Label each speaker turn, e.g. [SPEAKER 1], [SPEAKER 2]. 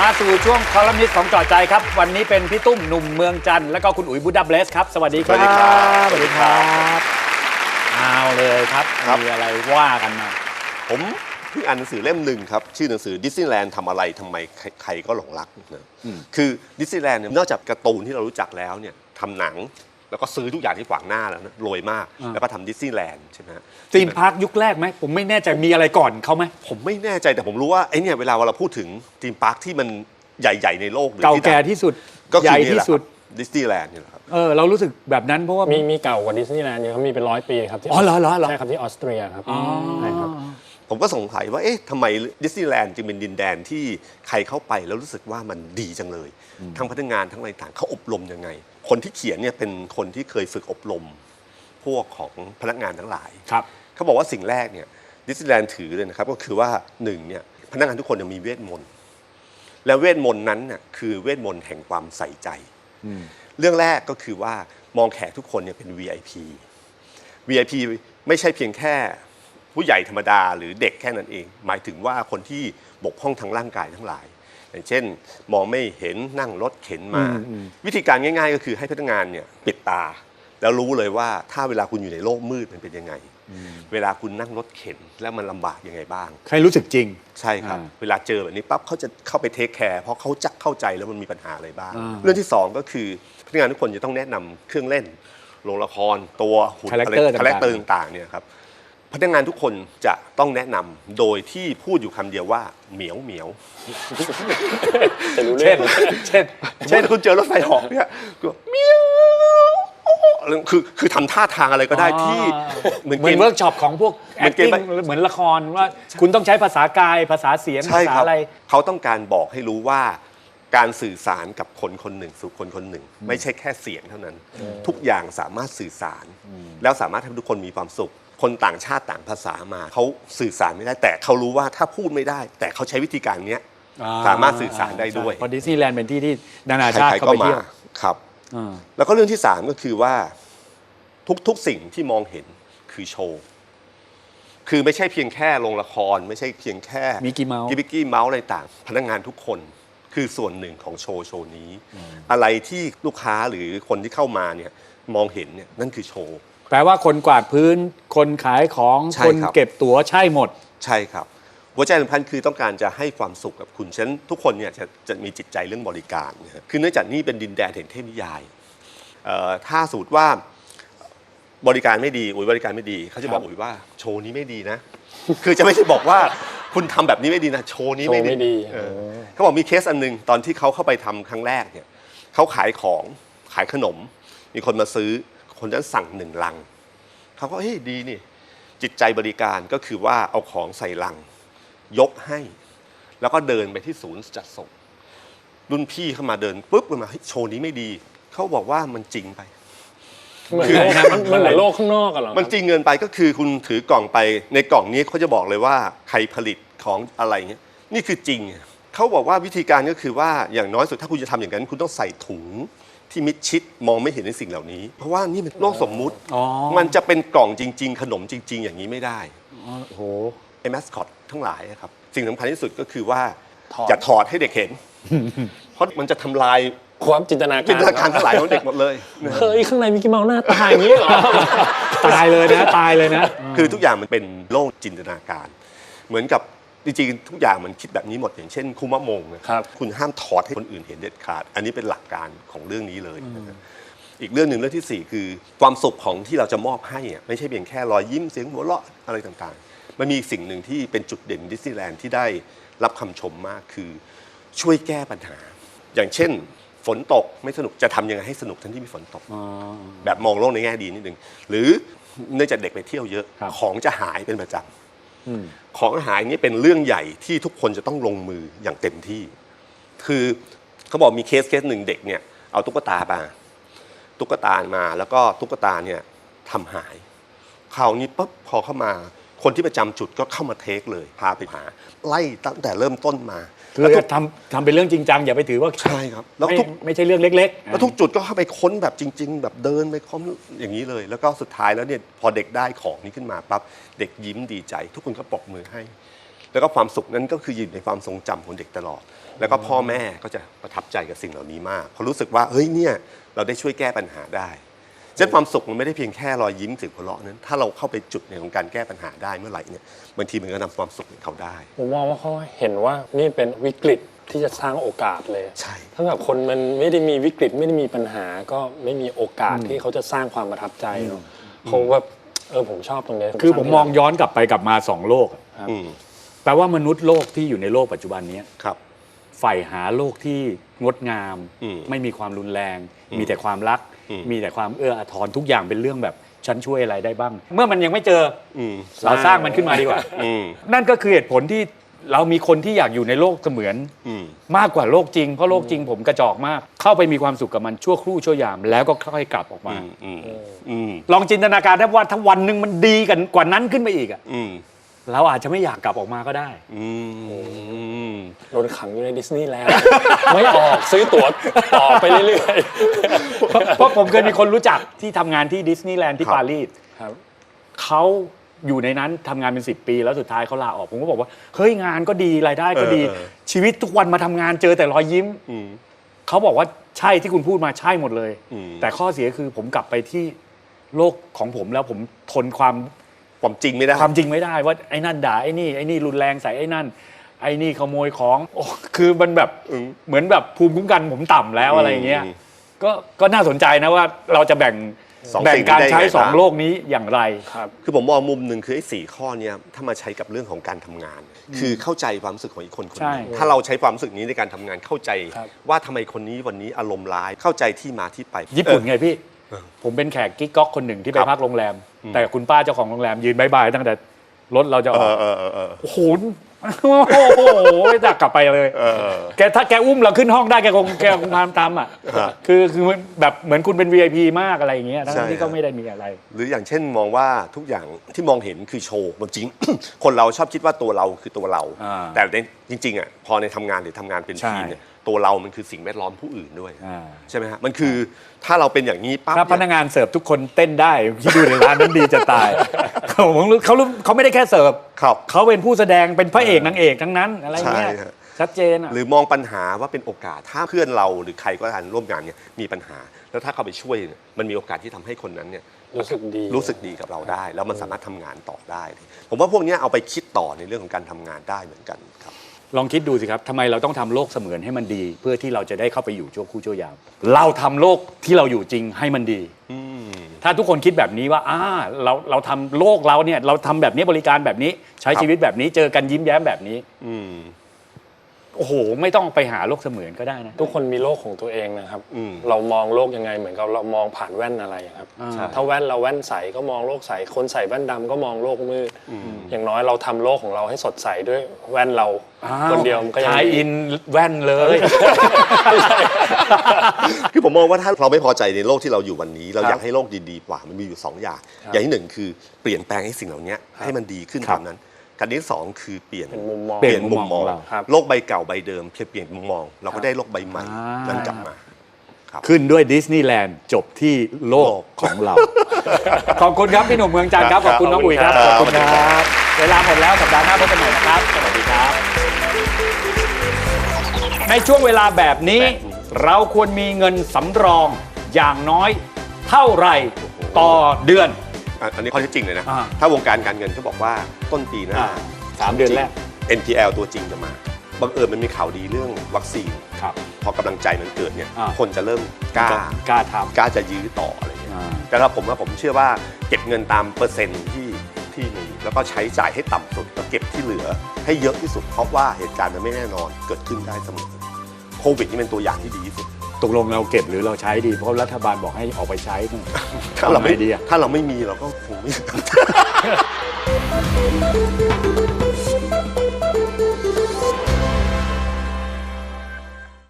[SPEAKER 1] มาสู่ช่วงคอลัมนิสต์ของจอดใจครับวันนี้เป็นพี่ตุ้มหนุ่มเมืองจันทร์และก็คุณอุ๋ยบูดาเบลสครับสวัสดีครับสวัสดีครับเอาเลยครับมีอะไรว่ากันมา
[SPEAKER 2] ผมเพิ่งอ่านหนังสือเล่มหนึ่งครับชื่อหนังสือดิสนีย์แลนด์ทำอะไรทำไมใครก็หลงรักนะคือดิสนีย์แลนด์นอกจากการ์ตูนที่เรารู้จักแล้วเนี่ยทำหนังแล้วก็ซื้อทุกอย่างที่ขวางหน้าแล้วนะรวยมากแล้วก็ทำดิสนีย์แลนด์ใช่ไหม
[SPEAKER 1] ธีมพาร์คยุคแรกไหมผมไม่แน่ใจมีอะไรก่อนเขาไหม
[SPEAKER 2] ผมไม่แน่ใจแต่ผมรู้ว่าไอ้เนี่ยเวลาเราพูดถึงธีมพาร์คที่มันใหญ่ๆในโลก
[SPEAKER 1] เก่าแก่ที่สุดใหญ่ที่สุด
[SPEAKER 2] ดิสนีย์แลนด์นี่แหละครับ
[SPEAKER 1] เรารู้สึกแบบนั้นเพราะว่า
[SPEAKER 3] มีเก่ากว่าดิสนีย์แลนด์เยอะครับมีเป็น100 ปีครับ
[SPEAKER 1] อ๋อเหรอ
[SPEAKER 3] ใช่ครับที่ออสเตรียครับใช่ครับ
[SPEAKER 2] ผมก็สงสัยว่าเอ๊ะทำไมดิสนีย์แลนด์จึงเป็นดินแดนที่ใครเข้าไปแล้วรู้สึกว่ามันดีจังเลยทั้งพนักงานทั้งอะไรต่างเขาอบรมยังไงคนที่เขียนเนี่ยเป็นคนที่เคยฝึกอบรมพวกของพนักงานทั้งหลายเขาบอกว่าสิ่งแรกเนี่ยดิสนีย์แลนด์ถือเลยนะครับก็คือว่าหนึ่งเนี่ยพนักงานทุกคนมีเวทมนต์และเวทมนต์นั้นน่ะคือเวทมนต์แห่งความใส่ใจเรื่องแรกก็คือว่ามองแขกทุกคนเนี่ยเป็น VIP VIP ไม่ใช่เพียงแค่ผู้ใหญ่ธรรมดาหรือเด็กแค่นั้นเองหมายถึงว่าคนที่บกพร่องทางร่างกายทั้งหลายอย่างเช่นมองไม่เห็นนั่งรถเข็นมาวิธีการง่ายๆก็คือให้พนักงานเนี่ยปิดตาแล้วรู้เลยว่าถ้าเวลาคุณอยู่ในโลกมืดมันเป็นยังไงเวลาคุณนั่งรถเข็นแล้วมันลำบากยังไงบ้าง
[SPEAKER 1] ใครรู้สึกจริง
[SPEAKER 2] ใช่ครับเวลาเจอแบบนี้ปั๊บเขาจะเข้าไปเทคแคร์เพราะเขาจะเข้าใจแล้วมันมีปัญหาอะไรบ้างเรื่องที่สองก็คือพนักงานทุกคนจะต้องแนะนำเครื่องเล่นโรงละครตัวหุ่นคาแรคเตอร์ต่างๆเนี่ยครับพนักงานทุกคนจะต้องแนะนำโดยที่พูดอยู่คำเดียวว่าเหมียวเหมียว
[SPEAKER 1] เช่น
[SPEAKER 2] คุณเจอรถไฟเหาะเนี่ยก็เหมียวคือทำท่าทางอะไรก็ได้ที่
[SPEAKER 1] เหมือนเวิร์กช็อปของพวก acting เหมือนละครว่าคุณต้องใช้ภาษากายภาษาเสียงภาษาอะไร
[SPEAKER 2] เขาต้องการบอกให้รู้ว่าการสื่อสารกับคนคนหนึ่งสู่คนคนหนึ่งไม่ใช่แค่เสียงเท่านั้นทุกอย่างสามารถสื่อสารแล้วสามารถทำให้ทุกคนมีความสุขคนต่างชาติต่างภาษามาเขาสื่อสารไม่ได้แต่เขารู้ว่าถ้าพูดไม่ได้แต่เขาใช้วิธีการนี้สามารถสื่อสารได้ด้วย
[SPEAKER 1] เพราะดิสนีย์แลนด์เป็นที่ที่นานาชาติเข้าไปเที่ยว
[SPEAKER 2] ครับแล้วก็เรื่องที่3ก็คือว่าทุกสิ่งที่มองเห็นคือโชว์คือไม่ใช่เพียงแค่โรงละครไม่ใช่เพียงแค่
[SPEAKER 1] มิกกี้เ
[SPEAKER 2] เมาส์อะไรต่างพนักงานทุกคนคือส่วนหนึ่งของโชว์นี้อะไรที่ลูกค้าหรือคนที่เข้ามาเนี่ยมองเห็นเนี่ยนั่นคือโชว์
[SPEAKER 1] แปลว่าคนกวาดพื้นคนขายของคนเก็บตั๋วใช่หมด
[SPEAKER 2] ใช่ครับหัวใจสำคัญคือต้องการจะให้ความสุขกับคุณฉะนั้นทุกคนเนี่ยจะมีจิตใจเรื่องบริการนะคือเนื่องจากนี่เป็นดินแดนแห่งเทพนิยายถ้าสมมติว่าบริการไม่ดีบริการไม่ดีเขาจะบอกว่าโชว์นี้ไม่ดีนะคือจะไม่ใช่บอกว่าคุณทำแบบนี้ไม่ดีนะโชว์นี้ไม่ดีเขาบอกมีเคสอันนึงตอนที่เขาเข้าไปทำครั้งแรกเนี่ยเขาขายขนมมีคนมาซื้อคนนั้นสั่ง1 ลังเขาก็เฮ้ยดีนี่จิตใจบริการก็คือว่าเอาของใส่ลังยกให้แล้วก็เดินไปที่ศูนย์จัดส่งรุ่นพี่เข้ามาเดินปุ๊บมาโชว์นี้ไม่ดีเขาบอกว่ามันจริงไป
[SPEAKER 3] มันเหมือนโลกข้างนอกกันหรอ
[SPEAKER 2] มันจริงเงินไปก็คือคุณถือกล่องไปในกล่องนี้เขาจะบอกเลยว่าใครผลิตของอะไรเงี้ยนี่คือจริงเขาบอกว่าวิธีการก็คือว่าอย่างน้อยสุดถ้าคุณจะทำอย่างนั้นคุณต้องใส่ถุงที่มิดชิดมองไม่เห็นในสิ่งเหล่านี้เพราะว่านี่เป็นโลกสมมุติมันจะเป็นกล่องจริงๆขนมจริงๆอย่างนี้ไม่ได้
[SPEAKER 1] โอ้โห
[SPEAKER 2] ไอ้แมสคอตทั้งหลายครับสิ่งสำคัญที่สุดก็คือว่าอย่าถอดให้เด็กเห็นเพราะมันจะทำลาย
[SPEAKER 3] ความจินตนา
[SPEAKER 2] การทั้งหลายของเด็กหมดเลย
[SPEAKER 3] เฮ้ยข้างในมิกกี้เมาส์หน้าตายอย่างนี้เหรอ
[SPEAKER 1] ตายเลยนะ
[SPEAKER 2] คือทุกอย่างมันเป็นโลกจินตนาการเหมือนกับจริงๆทุกอย่างมันคิดแบบนี้หมดอย่างเช่นคุมะมงนะครับคุณห้ามถอดให้คนอื่นเห็นเด็ดขาดอันนี้เป็นหลักการของเรื่องนี้เลยอีกเรื่องหนึ่งเรื่องที่4คือความสุขของที่เราจะมอบให้ไม่ใช่เพียงแค่รอยยิ้มเสียงหัวเราะอะไรต่างๆมันมีสิ่งหนึ่งที่เป็นจุดเด่นดิสนีย์แลนด์ที่ได้รับคำชมมากคือช่วยแก้ปัญหาอย่างเช่นฝนตกไม่สนุกจะทำยังไงให้สนุกทั้งที่มีฝนตกแบบมองโลกในแง่ดีนิดนึงหรือเนื่องจากเด็กไปเที่ยวเยอะของจะหายเป็นประจำของหายนี่เป็นเรื่องใหญ่ที่ทุกคนจะต้องลงมืออย่างเต็มที่คือเขาบอกมีเคสหนึ่งเด็กเนี่ยเอาตุ๊กตามาแล้วก็ตุ๊กตาเนี่ยทำหายคราวนี้ปุ๊บพอเข้ามาคนที่ประจำจุดก็เข้ามาเทคเลยพาไปหาไล่ตั้งแต่เริ่มต้นมา
[SPEAKER 1] คือทำเป็นเรื่องจริงจังอย่าไปถือว่า
[SPEAKER 2] ใช่ครับ
[SPEAKER 1] แล้วไม่ใช่เรื่องเล็ก
[SPEAKER 2] ๆแล้วทุกจุดก็เข้าไปค้นแบบจริงๆแบบเดินไปค้นอย่างนี้เลยแล้วก็สุดท้ายแล้วเนี่ยพอเด็กได้ของนี้ขึ้นมาปั๊บเด็กยิ้มดีใจทุกคนก็ปรบมือให้แล้วก็ความสุขนั้นก็คืออยู่ในความทรงจำของเด็กตลอดแล้วก็พ่อแม่ก็จะประทับใจกับสิ่งเหล่านี้มากเพราะรู้สึกว่าเฮ้ยเนี่ยเราได้ช่วยแก้ปัญหาได้ฉะนั้นความสุขมันไม่ได้เพียงแค่รอยยิ้มเสียงหัวเราะนั้นถ้าเราเข้าไปจุดในของการแก้ปัญหาได้เมื่อไหร่เนี่ยบางทีมันก็นำความสุขให้เขาได้
[SPEAKER 3] ผมมองว่าเขาเห็นว่านี่เป็นวิกฤตที่จะสร้างโอกาสเลย
[SPEAKER 2] ใช่
[SPEAKER 3] ถ้าแบบคนมันไม่ได้มีวิกฤตไม่ได้มีปัญหาก็ไม่มีโอกาสที่เขาจะสร้างความประทับใจเนาะเขาแบบผมชอบตรงนี้
[SPEAKER 1] คือผมมองย้อนกลับไปกลับมา2โลก
[SPEAKER 2] อืม
[SPEAKER 1] แปลว่ามนุษย์โลกที่อยู่ในโลกปัจจุบันนี้
[SPEAKER 2] ครับ
[SPEAKER 1] ใฝ่หาโลกที่งดงาม
[SPEAKER 2] อืม
[SPEAKER 1] ไม่มีความรุนแรง มีแต่ความรัก
[SPEAKER 2] อืม
[SPEAKER 1] มีแต่ความเอื้ออาทรทุกอย่างเป็นเรื่องแบบฉันช่วยอะไรได้บ้าง เมื่อมันยังไม่เจอ
[SPEAKER 2] อืม
[SPEAKER 1] เราสร้างมันขึ้นมาดีกว่า
[SPEAKER 2] อืม
[SPEAKER 1] นั่นก็คือเหตุผลที่เรามีคนที่อยากอยู่ในโลกเสมือน
[SPEAKER 2] อืม
[SPEAKER 1] มากกว่าโลกจริงเพราะโลกจริงผมกระจอกมาก เข้าไปมีความสุขกับมันชั่วครู่ชั่วยามแล้วก็ค่อยกลับออกมา ลองจินตนาการได้ว่าถ้าวันหนึ่งมันดีกันกว่านั้นขึ้นไปอีกอะ
[SPEAKER 2] อืม
[SPEAKER 1] เราอาจจะไม่อยากกลับออกมาก็ได้
[SPEAKER 2] อืม
[SPEAKER 3] โดนขังอยู่ในดิสนีย์แลนด์ ไม่ออกซื้อตั๋วต่อไปเรื่อย
[SPEAKER 1] เพราะผมเคยมีคนรู้จักที่ทำงานที่ดิสนีย์แลนด์ที่
[SPEAKER 2] ครับ
[SPEAKER 1] ปารีส
[SPEAKER 3] ๆครับ
[SPEAKER 1] เขาอยู่ในนั้นทำงานเป็น10 ปีแล้วสุดท้ายเขาลาออกผมก็บอกว่าเฮ้ยงานก็ดีรายได้ก็ดี ชีวิตทุกวันมาทำงานเจอแต่รอยยิ้ม
[SPEAKER 2] อืม
[SPEAKER 1] เขาบอกว่าใช่ที่คุณพูดมาใช่หมดเลย
[SPEAKER 2] อืม
[SPEAKER 1] แต่ข้อเสียคือผมกลับไปที่โลกของผมแล้วผมทนความ
[SPEAKER 2] ความจริงไม่ได้
[SPEAKER 1] ความจริงไม่ได้ว่าไอ้นั่นด่าไอ้นี่รุนแรงใส่ไอ้นั่นไอ้นี่ขโมยของโอ้คือมันแบบเหมือนแบบภูมิคุ้มกันผมต่ำแล้วอะไรอย่างเงี้ยก็น่าสนใจนะว่าเราจะแบ่ง
[SPEAKER 2] สอง
[SPEAKER 1] แบ่ง
[SPEAKER 2] สิ่ง
[SPEAKER 1] การ
[SPEAKER 2] ได้
[SPEAKER 1] ใช้
[SPEAKER 2] ไง
[SPEAKER 1] สอง
[SPEAKER 2] บ้าง
[SPEAKER 1] โลกนี้อย่างไร
[SPEAKER 3] ครับ
[SPEAKER 2] คือผมมองมุมหนึ่งคือไอ้4ข้อเนี้ยถ้ามาใช้กับเรื่องของการทำงาน คือเข้าใจความรู้สึกของอีกคนคนห
[SPEAKER 1] ใช่
[SPEAKER 2] นึงถ้าเราใช้ความรู้สึกนี้ในการทำงานเข้าใจ
[SPEAKER 3] ครับ
[SPEAKER 2] ว่าทำไมคนนี้วันนี้อารมณ์ร้ายเข้าใจที่มาที่ไป
[SPEAKER 1] ญี่ปุ่นไงพี่ ผมเป็นแขกกิ๊กก๊อกคนหนึ่งที่ไป
[SPEAKER 2] ครับ
[SPEAKER 1] พักโรงแรม แต่คุณป้าเจ้าของโรงแรมยืนบายบายตั้งแต่รถเราจะออก โอ้โหไม่อยากกลับไปเลยแกถ้าแกอุ้มเราขึ้นห้องได้แกคงพามตามอ่ะ
[SPEAKER 2] ฮะ
[SPEAKER 1] คือแบบเหมือนคุณเป็น VIP มากอะไรอย่างเงี้ยทั้
[SPEAKER 2] ใช่
[SPEAKER 1] งที่ก็ไม่ได้มีอะไร
[SPEAKER 2] หรืออย่างเช่นมองว่าทุกอย่างที่มองเห็นคือโชว์จริง คนเราชอบคิดว่าตัวเราคือตัวเรา
[SPEAKER 1] อ่า
[SPEAKER 2] แต่จริงๆอ่ะพอในทำงานหรือทำงานเป็น
[SPEAKER 1] ใช่
[SPEAKER 2] ทีมเนี่ยตัวเรามันคือสิ่งแวดล้อมผู้อื่นด้วย
[SPEAKER 1] อ่า
[SPEAKER 2] ใช่ไหมฮะมันคือถ้าเราเป็นอย่างนี้ปั๊บ
[SPEAKER 1] ถ้าพนั
[SPEAKER 2] เนี่ย
[SPEAKER 1] กงานเสิร์ฟทุกคนเต้นได้ที่ดูในร้านนั้นดีจะตายเขาไม่ได้แค่เสิร์ฟ
[SPEAKER 2] ครับ
[SPEAKER 1] เขาเป็นผู้แสดงเป็นพระเอกนางเอกทั้งนั้นอะไรเงี้ย
[SPEAKER 2] ใช่ฮะ
[SPEAKER 1] ชัดเจนอ่ะ
[SPEAKER 2] หรือมองปัญหาว่าเป็นโอกาสถ้าเพื่อนเราหรือใครก็ตามร่วมงานเนี่ยมีปัญหา แล้วถ้าเข้าไปช่วยเนี่ยมันมีโอกาสที่ทำให้คนนั้นเนี่ย
[SPEAKER 3] รู้สึกดี
[SPEAKER 2] รู้สึกดีกับเราได้ แล้วมันสามารถทำงานต่อได้ ผมว่าพวกเนี้ยเอาไปคิดต่อในเรื่องของการทำงานได้เหมือนกันครับ
[SPEAKER 1] ลองคิดดูสิครับทำไมเราต้องทำโลกเสมือนให้มันดี เพื่อที่เราจะได้เข้าไปอยู่ชั่วครู่ชั่วยามเราทำโลกที่เราอยู่จริงให้มันดี ถ้าทุกคนคิดแบบนี้ว่าเราทำโลกเราเนี่ยเราทำแบบนี้บริการแบบนี้ใช้ชีวิตแบบนี้เจอกันยิ้มแย้มแบบนี้
[SPEAKER 2] อืม
[SPEAKER 1] โอ้โหไม่ต้องไปหาโลกเสมือนก็ได้นะ
[SPEAKER 3] ทุกคนมีโลกของตัวเองนะครับ
[SPEAKER 2] อืม
[SPEAKER 3] เรามองโลกยังไงเหมือนกับเรามองผ่านแว่นอะไรครับ
[SPEAKER 1] ใช่
[SPEAKER 3] ถ้าแว่นเราแว่นใสก็มองโลกใส คนใส่แว่นดำก็มองโลกมืด อย่างน้อยเราทำโลกของเราให้สดใสด้วยแว่นเราคนเดียวมันก็ยัง
[SPEAKER 1] ทาย
[SPEAKER 3] ดี
[SPEAKER 1] อินแว่นเลย
[SPEAKER 2] คือผมมองว่าถ้าเราไม่พอใจในโลกที่เราอยู่วันนี้ เราอยากให้โลกดีๆกว่ามันมีอยู่2อย่างอย่างที่1คือเปลี่ยนแปลงให้สิ่งเหล่านี้ให้มันดีขึ้น
[SPEAKER 1] ครับ
[SPEAKER 2] ตามนั้นการที่2คือเปลี่ยน
[SPEAKER 3] เป็นมุมมอง
[SPEAKER 1] เปลี่ยนมุมมองเรา
[SPEAKER 3] ครับ
[SPEAKER 2] โลกใบเก่าใบเดิมเปลี่ยนมุมมอง เราก็ได้โลกใบใหม่นั้นกลับมา
[SPEAKER 1] ขึ้นด้วยดิสนีย์แลนด์จบที่โลกของเรา ขอบคุณครับพี่หนุ่มเมืองจันทร์ครับขอบคุณน้องอุ๋ยครับ
[SPEAKER 2] ข
[SPEAKER 1] ข
[SPEAKER 2] อ
[SPEAKER 1] อ
[SPEAKER 2] บบ คุ
[SPEAKER 1] คุณ ณ
[SPEAKER 2] ค
[SPEAKER 1] ค
[SPEAKER 2] รั
[SPEAKER 1] รับ บเวลาหมดแล้วสัปดาห์หน้าพบกันใหม่นะครับ สวัสดีครับ ในช่วงเวลาแบบนี้ เราควรมีเงินสำรองอย่างน้อยเท่าไหร่ต่อเดือน
[SPEAKER 2] อันนี้ข้อเท็จจริงเลยนะ
[SPEAKER 1] อ่า
[SPEAKER 2] ถ้าวงการการเงินเขาบอกว่าต้นปีหน้า
[SPEAKER 1] 3 เดือนแรก
[SPEAKER 2] NPL ตัวจริงจะมาบังเอิญมันมีข่าวดีเรื่องวัคซีน
[SPEAKER 1] ครับ
[SPEAKER 2] พอกำลังใจมันเกิดเนี่ย
[SPEAKER 1] อ่า
[SPEAKER 2] คนจะเริ่มกล้า
[SPEAKER 1] กล้าท
[SPEAKER 2] กล้าจะยื้อต่ออะไรเงี้ย
[SPEAKER 1] ำ
[SPEAKER 2] แต่ถ้าผมเชื่อว่าเก็บเงินตามเปอร์เซ็นต์ที่มีแล้วก็ใช้จ่ายให้ต่ำสุดแล้วเก็บที่เหลือให้เยอะที่สุดเพราะว่าเหตุการณ์มันไม่แน่นอนเกิดขึ้นได้เสมอโควิดนี่เป็นตัวอย่างที่ดีที่สุด
[SPEAKER 1] ตกลงเราเก็บหรือเราใช้ดี เพราะรัฐบาลบอกให้ออกไปใช้เนี่ย
[SPEAKER 2] ถ้าเราไม่
[SPEAKER 1] ทำไงดีอะ
[SPEAKER 2] ถ้าเราไม่มีเราก็คงไม่